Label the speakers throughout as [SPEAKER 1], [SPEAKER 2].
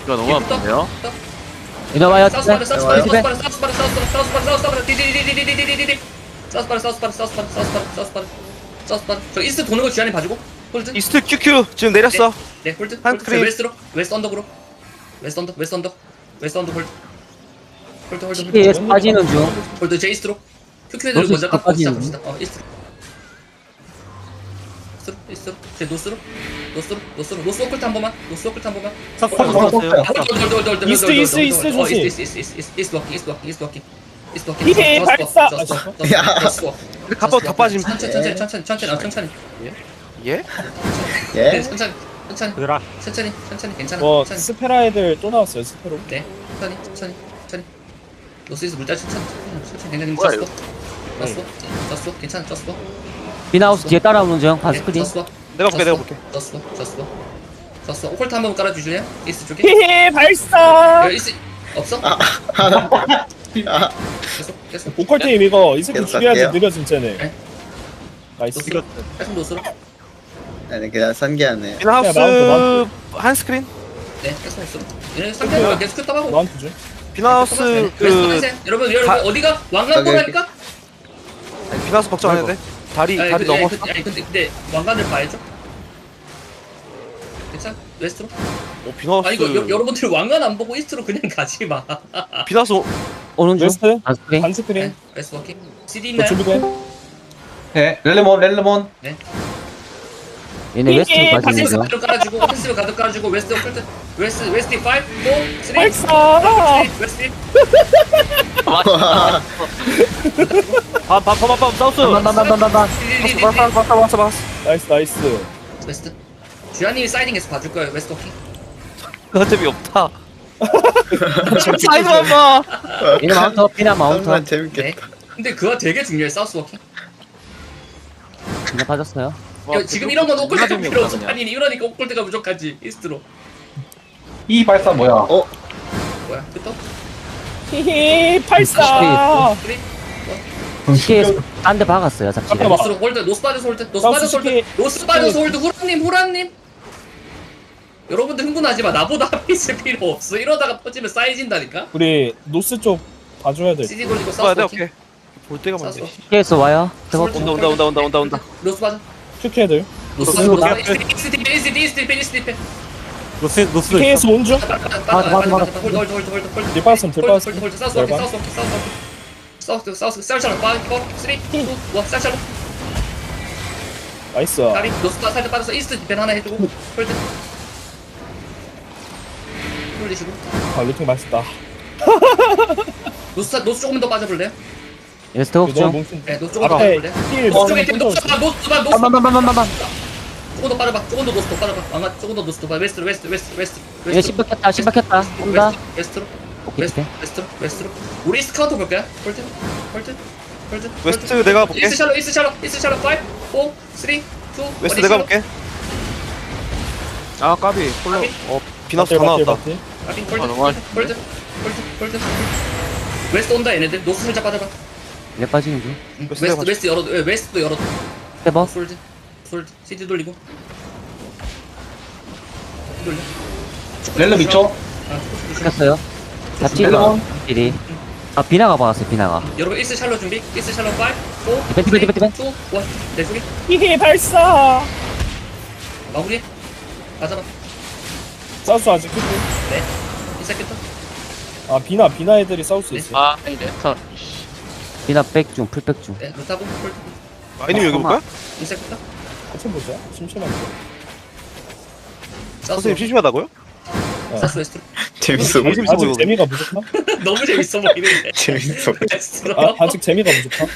[SPEAKER 1] 이거 너무 아픈데요?
[SPEAKER 2] 이놈아요.
[SPEAKER 3] 사우스 바르 사우스 바르 사우스 바르 사우스 바르 사우스 바르 사우스 바르 사우스 바르 디디디디디디디디디 사우스 바르 사우스 바르 사우스 바르 사우스 바르 사우스 바르 사우스 바르 저 이스트 도는 거 주한이 봐주고 홀드
[SPEAKER 4] 이스트 QQ 지금 내렸어.
[SPEAKER 3] 네 홀드
[SPEAKER 4] 한
[SPEAKER 3] 홀드
[SPEAKER 4] 크림.
[SPEAKER 3] 웨스트로 웨스트 언덕으로 웨스트 언덕 웨스트 언덕 웨스트 언덕 홀드 홀드 홀드
[SPEAKER 2] TKS
[SPEAKER 3] 홀드
[SPEAKER 2] 빠지는 중.
[SPEAKER 3] 홀드 제 이스트로 큐큐애들
[SPEAKER 2] 노스
[SPEAKER 3] 먼저 깎고
[SPEAKER 2] 빠지는
[SPEAKER 3] 시작합시다 이스트로 이스트로 제 노스로 노스로 노스로 노스 오클트 한 번만 노스 오클트 한 번만
[SPEAKER 5] 이스트, 이스트, 이스트 조심.
[SPEAKER 3] 이스트 워킹 이스트 워킹 이스트 워킹 이스트 워킹
[SPEAKER 5] 히히, 발사!
[SPEAKER 4] 근데 갑바 더 빠짐.
[SPEAKER 3] 천천히
[SPEAKER 4] 예?
[SPEAKER 6] 예?
[SPEAKER 3] 천천히
[SPEAKER 5] 얘들아
[SPEAKER 3] 괜찮아
[SPEAKER 5] 뭐
[SPEAKER 3] 천천히
[SPEAKER 5] 스페라 애들 또 나왔어요 스페로.
[SPEAKER 3] 네 천천히 노스에서 물자 천천히 굉장히
[SPEAKER 1] 뭐야,
[SPEAKER 3] 쪘어 괜찮아 쪘어
[SPEAKER 2] 비나우스 뒤에 따라오는 중. 바스크린.
[SPEAKER 4] 내가 볼게.
[SPEAKER 3] 쪘어 오컬트 한번 깔아주실래요? 이스트 쪽에
[SPEAKER 5] 히히 발사.
[SPEAKER 3] 여기 이스트 없어? 계속
[SPEAKER 5] 보컬 팀 이거 이 새끼
[SPEAKER 6] 계속
[SPEAKER 5] 죽여야지
[SPEAKER 6] 갈게요.
[SPEAKER 5] 느려 진짜네.
[SPEAKER 3] 네.
[SPEAKER 5] 나이스.
[SPEAKER 3] 노스로 계속 노스로
[SPEAKER 6] 아니 그냥 선기하네.
[SPEAKER 4] 비나하우스
[SPEAKER 5] 마운트.
[SPEAKER 4] 한 스크린.
[SPEAKER 3] 네 계속 노스로 얘네 상대가 계속 큐tab하고
[SPEAKER 5] 너한테 줘.
[SPEAKER 4] 비나하우스 그
[SPEAKER 3] 여러분
[SPEAKER 4] 다-
[SPEAKER 3] 어디가 왕관보라니까?
[SPEAKER 4] 비나하우스 걱정 안 해도 돼. 다리 넘어.
[SPEAKER 3] 근데 왕관을 봐야죠. 괜찮아? 웨스트로?
[SPEAKER 4] 비나하우스.
[SPEAKER 3] 아 이거 여러분들 왕관 안 보고 이스트로 그냥 가지 마.
[SPEAKER 4] 비나하우스
[SPEAKER 2] 오는 중.
[SPEAKER 5] 웨스트
[SPEAKER 2] 바스크린.
[SPEAKER 5] 반 스크린.
[SPEAKER 3] 네, 웨스트 워킹. CD
[SPEAKER 5] 너
[SPEAKER 3] 있나요?
[SPEAKER 5] 준비돼.
[SPEAKER 7] 네, 렐레몬.
[SPEAKER 2] 얘네 웨스트로 빠지는
[SPEAKER 3] 패시브
[SPEAKER 2] 중.
[SPEAKER 3] 가득 깔아주고 패시브 가득 깔아주고 웨스트 오컬트 웨스트 5, 4, 3,
[SPEAKER 5] 발사.
[SPEAKER 3] 웨스트
[SPEAKER 1] 밤 사우스.
[SPEAKER 2] 반반반반반반.
[SPEAKER 4] 봤어.
[SPEAKER 5] 나이스.
[SPEAKER 3] 웨스트 주한님이 사이딩에서 봐줄 거예요 웨스트 워킹.
[SPEAKER 4] 그거 재미없다. 사이드 봐.
[SPEAKER 2] 얘네 마운터. 비나 마운터.
[SPEAKER 6] 정말
[SPEAKER 3] 네.
[SPEAKER 6] 재밌겠다.
[SPEAKER 3] 근데 그거 되게 중요해 사우스 워킹.
[SPEAKER 2] 비나 빠졌어요.
[SPEAKER 3] 지금 이런 건 오컬트가
[SPEAKER 1] 재미없다,
[SPEAKER 3] 필요 없어.
[SPEAKER 1] 그냥.
[SPEAKER 3] 아니 이러니까 오컬트가 무조건지 이스트로.
[SPEAKER 7] 이 발사 뭐야?
[SPEAKER 3] 뭐야? 끝도?
[SPEAKER 5] 히히 발사.
[SPEAKER 3] 그래?
[SPEAKER 2] TKS 딴데 박았어요. 잡지를.
[SPEAKER 5] 잠깐만.
[SPEAKER 3] 노스로 홀드 노스 빠져서 홀드 노스
[SPEAKER 5] 사우스
[SPEAKER 3] 빠져서 홀드
[SPEAKER 5] 시키-
[SPEAKER 3] 노스 빠져서 홀드 후라님 여러분들 흥분하지 마. 나보다 있을 필요 없어. 이러다가 퍼지면 쌓여진다니까.
[SPEAKER 5] 우리 노스 쪽 봐줘야 돼.
[SPEAKER 3] CD 돌리고
[SPEAKER 4] 봐야
[SPEAKER 3] 사우스
[SPEAKER 4] 돼.
[SPEAKER 3] 워킹
[SPEAKER 4] 오케이. 볼 때가
[SPEAKER 3] 사우스
[SPEAKER 4] 많네.
[SPEAKER 3] 워킹
[SPEAKER 2] TKS 와요. 스텝업.
[SPEAKER 4] 온다.
[SPEAKER 3] 노스 빠져
[SPEAKER 5] 큐큐 애들.
[SPEAKER 3] 노스
[SPEAKER 5] 노스
[SPEAKER 3] 빠져 이스트
[SPEAKER 1] 노스.
[SPEAKER 5] TKS 온 중.
[SPEAKER 3] 홀드
[SPEAKER 5] 뒷받침, 뒷받침.
[SPEAKER 3] 홀드 사우스 워킹 사우스 쌀처럼 빠지고 3 2 1 쌀처럼
[SPEAKER 5] 나이스.
[SPEAKER 3] 다리 노스 살짝 빠져서 이스트 디펜 하나 해주고 홀드 홀리시고
[SPEAKER 5] 아 루팅 맛있다.
[SPEAKER 3] 노스 조금 더 빠져볼래요?
[SPEAKER 2] 얘네 스텝업
[SPEAKER 5] 너무
[SPEAKER 2] 중.
[SPEAKER 5] 뭉친.
[SPEAKER 3] 네 노스 조금 더
[SPEAKER 5] 앞에
[SPEAKER 3] 빠져볼래요?
[SPEAKER 5] 힐
[SPEAKER 3] 노스 쪽에
[SPEAKER 5] 먼저
[SPEAKER 3] 노스 조금
[SPEAKER 2] 반반반반반반.
[SPEAKER 3] 더 빠져봐 조금 더 노스 더 빠져봐 왕가 조금 더 노스 더 빠져 웨스트로
[SPEAKER 2] 얘네 신박했다. 신박했다. 온다.
[SPEAKER 3] 웨스트로
[SPEAKER 2] 오케이. 오케이.
[SPEAKER 3] 웨스트로 우리 이스트 카운터 볼까요? 홀드
[SPEAKER 4] 웨스트 내가 볼게.
[SPEAKER 3] 이스트 샬로 5 4 3 2 1
[SPEAKER 4] 웨스트 내가 볼게.
[SPEAKER 1] 아 까비. 홀로.
[SPEAKER 4] 비나하우스 다 나왔다.
[SPEAKER 3] 홀드 웨스트 온다 얘네들 노스 살짝 빠져봐
[SPEAKER 2] 얘네 빠지는 중.
[SPEAKER 3] 웨스트 열어도 웨스트도 열어도
[SPEAKER 2] 스텝업.
[SPEAKER 3] 홀드 CD 돌리고 돌려
[SPEAKER 7] 렐레 미쳐.
[SPEAKER 2] 시켰어요. 잡지가. 일이. 아 비나가 박았어요. 비나가.
[SPEAKER 3] 여러분 1스 샬로 준비 1스 샬로 5 4
[SPEAKER 2] 디펜.
[SPEAKER 3] 2 1 내속이
[SPEAKER 5] 히히 발사.
[SPEAKER 3] 마무리 맞아봐
[SPEAKER 5] 사우스 아직 큐큐.
[SPEAKER 3] 네 시작했다
[SPEAKER 5] 아 비나 애들이 사우스
[SPEAKER 3] 네.
[SPEAKER 5] 있어.
[SPEAKER 1] 아 아니네.
[SPEAKER 2] 비나 백중. 풀백 중.
[SPEAKER 3] 네 루타고 홀드
[SPEAKER 4] 아니면 여기 볼까?
[SPEAKER 3] 시작했다
[SPEAKER 5] 같이 보자. 심심한데.
[SPEAKER 3] 사우스
[SPEAKER 4] 선생님 심심하다고요?
[SPEAKER 3] 사우스 웨스트로
[SPEAKER 6] 재밌어.
[SPEAKER 4] 너무 재밌어
[SPEAKER 5] 아직
[SPEAKER 4] 보이거든.
[SPEAKER 5] 재미가 부족하?
[SPEAKER 3] 너무 재밌어 보이는데
[SPEAKER 6] 재밌어.
[SPEAKER 3] 웨스트로
[SPEAKER 5] 아 아직 재미가 부족하?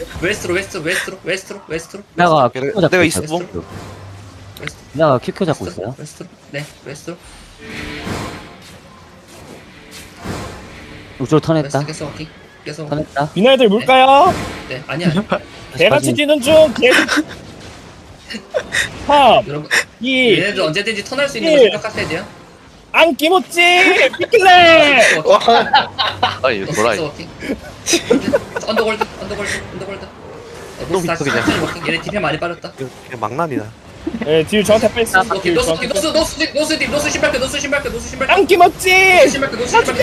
[SPEAKER 3] 웨스트로
[SPEAKER 2] 비나가
[SPEAKER 4] 내가
[SPEAKER 2] 큐큐 잡고
[SPEAKER 4] 이스트
[SPEAKER 2] 있어요.
[SPEAKER 4] 봄.
[SPEAKER 2] 비나가 큐큐 잡고 있어요.
[SPEAKER 3] 웨스트로 네 웨스트로
[SPEAKER 2] 우주로 턴했다.
[SPEAKER 3] 웨스트 계속 워킹 계속
[SPEAKER 2] 턴했다.
[SPEAKER 5] 비나 애들 물까요?
[SPEAKER 3] 네 아니야
[SPEAKER 5] 개같이 뛰는 중. 개. 3,
[SPEAKER 3] 여러분
[SPEAKER 5] 2,
[SPEAKER 3] 얘네들 언제든지 턴할 수 있는 거
[SPEAKER 5] 예.
[SPEAKER 3] 생각하셔야 돼요
[SPEAKER 5] 안 끼모찌. 피클레.
[SPEAKER 1] 아니 뭐라.
[SPEAKER 3] 언더골드
[SPEAKER 4] 너무 있어, 그냥.
[SPEAKER 3] 얘네 디펜 많이 빠졌다
[SPEAKER 4] 그냥 망난이다.
[SPEAKER 5] 예, 뒤로 저한테 뺐어.
[SPEAKER 3] 오케이 노스 신발크
[SPEAKER 5] 안 김었지.
[SPEAKER 3] 신발크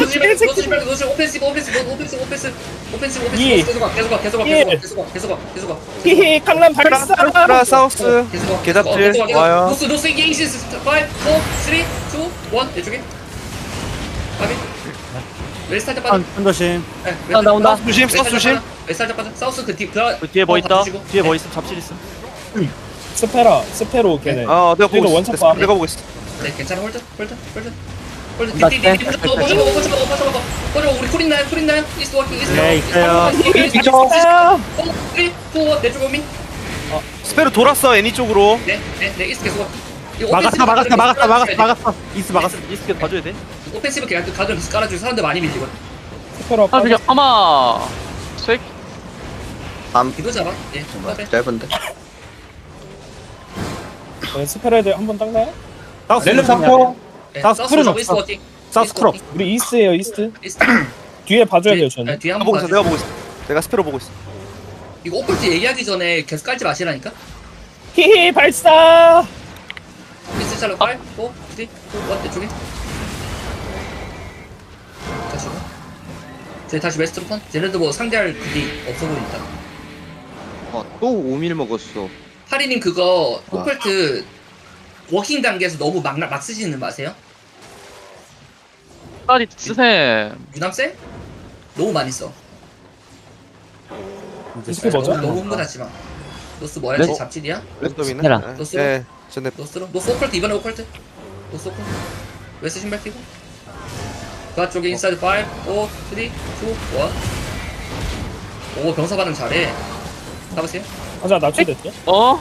[SPEAKER 3] 오펜시브
[SPEAKER 5] 이.
[SPEAKER 3] 계속
[SPEAKER 5] 히히 강남 발사.
[SPEAKER 4] 라 사우스 계답들 와요.
[SPEAKER 3] 노스 인게이시스 5 4 3 2 1 이쪽에 가비 웨스트 빠져
[SPEAKER 1] 한도심.
[SPEAKER 2] 나온다.
[SPEAKER 4] 조심 사우스 조심.
[SPEAKER 3] 웨스트 빠져 사우스
[SPEAKER 1] 뒤에 뭐 있다? 뒤에 뭐 있음? 잡실 있음?
[SPEAKER 5] 스페로 걔네.
[SPEAKER 4] 아 내가 보고
[SPEAKER 5] 그래도
[SPEAKER 4] 있어.
[SPEAKER 5] 원샷 봐.
[SPEAKER 4] 내가 보고 있어.
[SPEAKER 3] 네 괜찮아 홀드
[SPEAKER 2] 맞대.
[SPEAKER 3] 꺼져 우리 쿨인나요 이스트 워킹
[SPEAKER 1] 네, 있어요.
[SPEAKER 7] 미쳐.
[SPEAKER 5] 3,
[SPEAKER 3] 3 2 1 내쪽 오민
[SPEAKER 4] 스페로 돌았어 애니 쪽으로.
[SPEAKER 3] 네 이스트 계속
[SPEAKER 1] 막았어. 이스 막았어. 이스 계속 봐줘야 돼.
[SPEAKER 3] 오펜시브 계속 가든 깔아주고 사람들 많이 밀리거든
[SPEAKER 5] 스페로
[SPEAKER 1] 아, 그냥 아마. 쇠.
[SPEAKER 3] 기도 잡아 예
[SPEAKER 6] 짧은데.
[SPEAKER 5] 스페로 애들 한번 닦나요?
[SPEAKER 7] 렐름 3포.
[SPEAKER 1] 사우스 쿨은
[SPEAKER 3] 잡고
[SPEAKER 1] 없어.
[SPEAKER 3] 이스트 워킹
[SPEAKER 1] 사우스 쿨 없어.
[SPEAKER 5] 우리 이스트예요, 이스트.
[SPEAKER 3] 이스트
[SPEAKER 5] 뒤에 봐줘야 돼요, 저는.
[SPEAKER 3] 뒤에
[SPEAKER 4] 내가
[SPEAKER 3] 한번
[SPEAKER 4] 보고 있어.
[SPEAKER 3] 봐줘
[SPEAKER 4] 내가 보고 있어. 내가 스페로 보고 있어.
[SPEAKER 3] 이거 오컬트 얘기하기 전에 계속 깔지 마시라니까
[SPEAKER 5] 히히 발사.
[SPEAKER 3] 이스트 샬롯 5 4 3 2 1 이쪽에 다시 저희 다시 웨스트로 턴 쟤네도 뭐 상대할 그게 없어 보인다
[SPEAKER 8] 또 5밀 먹었어.
[SPEAKER 3] 파리님 그거 오컬트 워킹 단계에서 너무 막 쓰시는 마세요
[SPEAKER 1] 빨리 쓰셈.
[SPEAKER 3] 유남 쎄? 너무 많이 써
[SPEAKER 5] 이스트 뭐죠?
[SPEAKER 3] 너무 흥분하지 마 노스 뭐야?
[SPEAKER 2] 네?
[SPEAKER 3] 잡질이야?
[SPEAKER 4] 랜덤이네.
[SPEAKER 2] 스페라.
[SPEAKER 4] 네. 전에
[SPEAKER 3] 노스로? 노스 오컬트 이번에 오컬트 노스 오컬트 웨스트 신발 끼고 그 앞쪽에 인사이드 5 4 3 2 1 오 병사 반응 잘해 가보세요
[SPEAKER 5] 가자, 납치됐죠?
[SPEAKER 1] 어?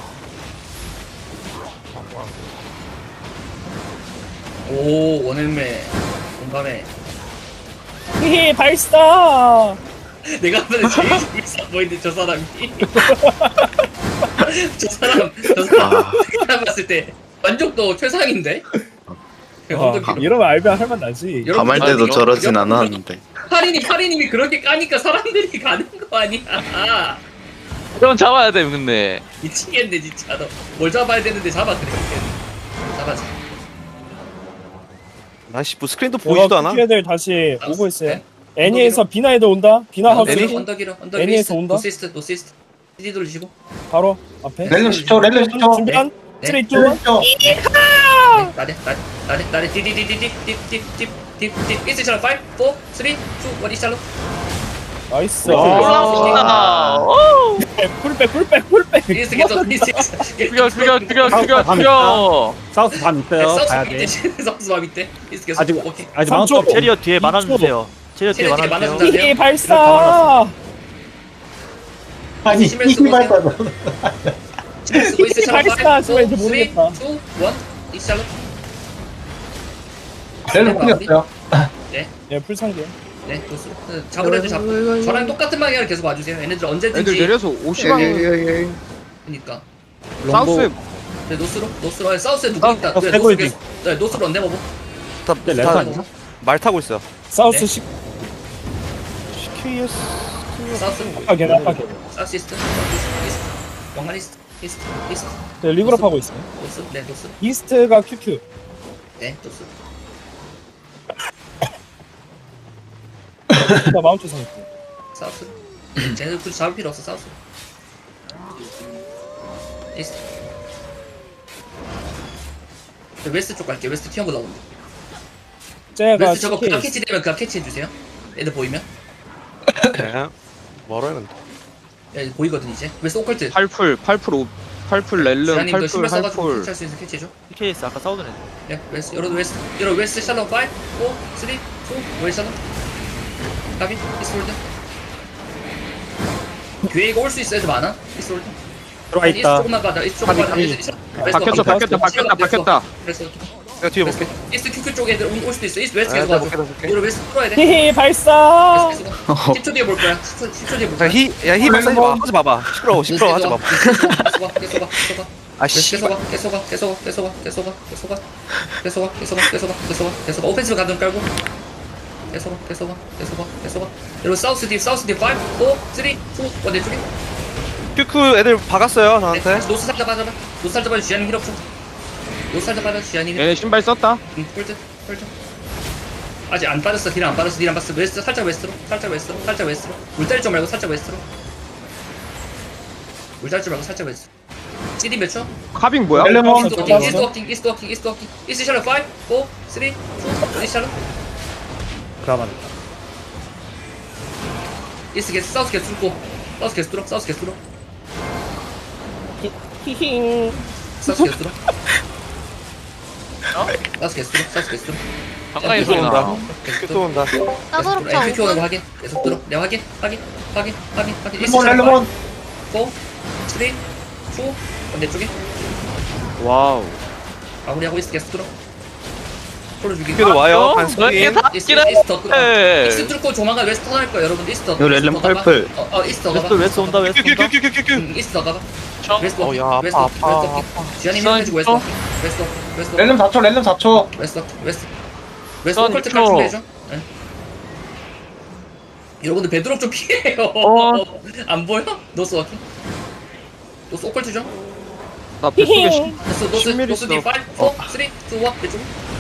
[SPEAKER 3] 오 원헬메 공감해
[SPEAKER 5] 히히 발사.
[SPEAKER 3] 내가 보는 제일 비싸 보이는데 저 사람이 저 사람 내가 봤을 때 만족도 최상인데
[SPEAKER 5] 이러면 알면 할만 나지.
[SPEAKER 6] 가말 때도 저러진 않았는데.
[SPEAKER 3] 파리님이 그렇게 까니까 사람들이 가는 거 아니야
[SPEAKER 1] 이건 잡아야 돼, 근데.
[SPEAKER 3] 미치겠네 진짜 너뭘 잡아야 되는데 잡아 그래 잡아줘
[SPEAKER 4] 나씨 뭐 스크린도 보이지도 않아.
[SPEAKER 5] 애들 다시 오고 있어요.
[SPEAKER 3] 네.
[SPEAKER 5] 애니에서 비나 애들 온다. 비나 하우스
[SPEAKER 3] 언덕이로
[SPEAKER 5] 애니에서 온다?
[SPEAKER 3] 노시스트 CD 돌리시고
[SPEAKER 5] 바로 앞에.
[SPEAKER 7] 렐름 10초. 렐름 10초.
[SPEAKER 5] 준비한
[SPEAKER 3] 네.
[SPEAKER 5] 3, 2, 1.
[SPEAKER 7] 렐름 10초.
[SPEAKER 3] 나래 디디디디디딥딥딥딥 이스처럼 5 4 3 2 1 이스처럼
[SPEAKER 5] 나이스.
[SPEAKER 1] 올라왔습니다.
[SPEAKER 5] 풀백.
[SPEAKER 3] 이스트 계속
[SPEAKER 1] 죽여. 사우스 반 있어요. 가야 돼.
[SPEAKER 3] 사우스 맘 있대 이스트 계속
[SPEAKER 1] 아직
[SPEAKER 3] 오케이
[SPEAKER 1] 아직
[SPEAKER 5] 3초.
[SPEAKER 1] 마운트 체리어 뒤에 만화주세요. 체리어 뒤에
[SPEAKER 3] 체리어 뒤에
[SPEAKER 1] 만화주세요.
[SPEAKER 3] 만화주세요.
[SPEAKER 5] 히히 발사.
[SPEAKER 7] 아니,
[SPEAKER 3] 심해서
[SPEAKER 7] 이 발사.
[SPEAKER 3] 쓰고 이스처럼
[SPEAKER 5] 발사
[SPEAKER 3] 5 4 3 2
[SPEAKER 5] 하지만 이제 모르겠다.
[SPEAKER 3] 1 이스처럼
[SPEAKER 7] 렐름 풀렸어요.
[SPEAKER 5] 예, 풀상계.
[SPEAKER 3] 네 노스 잡을 애들 잡고 저랑 똑같은 방향을 계속 와주세요 얘네들
[SPEAKER 8] 애들
[SPEAKER 3] 언제든지
[SPEAKER 8] 내려서 50방.
[SPEAKER 3] 그니까
[SPEAKER 8] 사우스에
[SPEAKER 3] 네 노스로 사우스에 누구 있다 네
[SPEAKER 1] 세골지.
[SPEAKER 3] 노스 네 노스로 언제 먹어
[SPEAKER 1] 네,
[SPEAKER 4] 말 타고 있어.
[SPEAKER 5] 사우스
[SPEAKER 3] 네.
[SPEAKER 4] QS
[SPEAKER 3] 사우스
[SPEAKER 5] 아파게.
[SPEAKER 3] 사우스 이스트 왕관 이스트
[SPEAKER 5] 리그룹 하고 있어요.
[SPEAKER 3] 노스 네 노스
[SPEAKER 5] 이스트가 QQ.
[SPEAKER 3] 네 노스
[SPEAKER 5] 나 마운트 상태.
[SPEAKER 3] 사우스 쟤네들 굳이 잡을 필요 없어 사우스 이스트 저 웨스트 쪽 갈게요 웨스트 튀어보 나오는데
[SPEAKER 5] 쟤가
[SPEAKER 3] 웨스트 저거 그냥
[SPEAKER 5] CK.
[SPEAKER 3] 캐치 되면 그냥 캐치 해주세요 애들 보이면
[SPEAKER 4] 멀어요 근데.
[SPEAKER 3] 야 보이거든 이제 웨스트 오컬트
[SPEAKER 8] 8풀 렐름
[SPEAKER 3] 지난님 그
[SPEAKER 8] 8풀
[SPEAKER 3] 신발 써가지고
[SPEAKER 8] 할풀.
[SPEAKER 3] 캐치할 수 있는 캐치해줘
[SPEAKER 1] PKS 아까 싸우던 애.
[SPEAKER 3] 네 웨스트 여러분 웨스트 샬롯 5 4 3 2 1 샬롯 가비 이스트 홀드 교회 이거 올 수 있어 애들 많아 이스트 홀드
[SPEAKER 1] 들어와
[SPEAKER 3] 이스트
[SPEAKER 1] 있다.
[SPEAKER 3] 조금만 가자 이스트 조금만 가자
[SPEAKER 8] 박혔다.
[SPEAKER 3] 그래서
[SPEAKER 4] 내가 뒤에 볼게.
[SPEAKER 3] 이스트 QQ 쪽 애들 올 수도 있어 이스트 웨스트 계속
[SPEAKER 4] 나
[SPEAKER 3] 가줘
[SPEAKER 4] 볼게.
[SPEAKER 3] 이거 웨스트 풀어야 돼
[SPEAKER 5] 히히 발사.
[SPEAKER 3] 계속 10초 뒤에 볼 거야 10초 뒤에 볼 거야
[SPEAKER 4] 야히 박사지 마. 하지 마봐. 시끄러워 하지 마.
[SPEAKER 3] 계속 가
[SPEAKER 4] 아씨.
[SPEAKER 3] 계속 오펜시브 가든 깔고 계속 여러분 사우스 딥 5 4 3 2 1 내 쪽에
[SPEAKER 4] 큐큐 애들 박았어요 저한테.
[SPEAKER 3] 노스 살짝 빠져봐. 노스 살짝 빠져. 지안이 힐 없어. 노스 살짝 빠져. 지안이 힐.
[SPEAKER 8] 얘네 신발 썼다.
[SPEAKER 3] 폴드. 아직 안 빠졌어. 딜 안 빠졌어. 딜 안 빠졌어. 웨스트 살짝 웨스트로. 살짝 웨스트로. 물다리 좀 말고 살짝 웨스트로. 물다리 좀 말고 살짝 웨스트. CD 몇 초?
[SPEAKER 8] 카빙 뭐야?
[SPEAKER 7] 렐름 원.
[SPEAKER 3] 이스트 워킹. 이스트 샬롯 5, 4, 3, 2, 1 샬롯.
[SPEAKER 1] 그라만.
[SPEAKER 3] 이스트 게스 사우스 게스 뚫고. 사우스 게스 뚫어. 사우스 게스 뚫어.
[SPEAKER 5] 히힝.
[SPEAKER 3] 사우스 게스 뚫어. 사우스 게스 뚫어. 사우스 게스 뚫어.
[SPEAKER 4] 큐 또 온다. 큐 온다.
[SPEAKER 9] 따그럽자
[SPEAKER 3] 큐 오는 거
[SPEAKER 9] 5분.
[SPEAKER 3] 확인. 계속 들어. 내가 확인.
[SPEAKER 7] 렐름 렐름
[SPEAKER 3] 4, 3, 2, 반대쪽에.
[SPEAKER 8] 와우.
[SPEAKER 3] 마무리하고 있어. 계속 들어. 소로 죽이고.
[SPEAKER 4] 큐도 와요. 한 스크린.
[SPEAKER 3] 이스트 더 끌어. 이스트 뚫고 조만간 웨스트 터널 거야 여러분. 이스트 더.
[SPEAKER 6] 이거 렐름
[SPEAKER 3] 이스트 더 가봐.
[SPEAKER 6] 펄플.
[SPEAKER 3] 이스트 더 가봐.
[SPEAKER 1] 웨스트 온다. 웨스트 온다.
[SPEAKER 4] 큐큐큐큐큐큐.
[SPEAKER 3] 이스트 더 가봐. 웨스트
[SPEAKER 4] 어, 야,
[SPEAKER 3] 워킹. 웨스트
[SPEAKER 4] 아파,
[SPEAKER 3] 워킹.
[SPEAKER 4] 아파,
[SPEAKER 3] 웨스트 워킹. 지안이 밀어주고 웨스트 워킹. 웨스트 워킹. 웨스트 워킹.
[SPEAKER 7] 렐름 4초 렐름 4초
[SPEAKER 3] 웨스트 워컬트 깔 준비해줘. 네. 여러분들 베드록 좀 피해요. 안 보여? 노스 워킹. 노스 오컬트 좀.
[SPEAKER 8] 나 뱃속에
[SPEAKER 3] 노스
[SPEAKER 8] 10mm
[SPEAKER 3] 노스 D5, 4, 3, 2, 1 이쪽.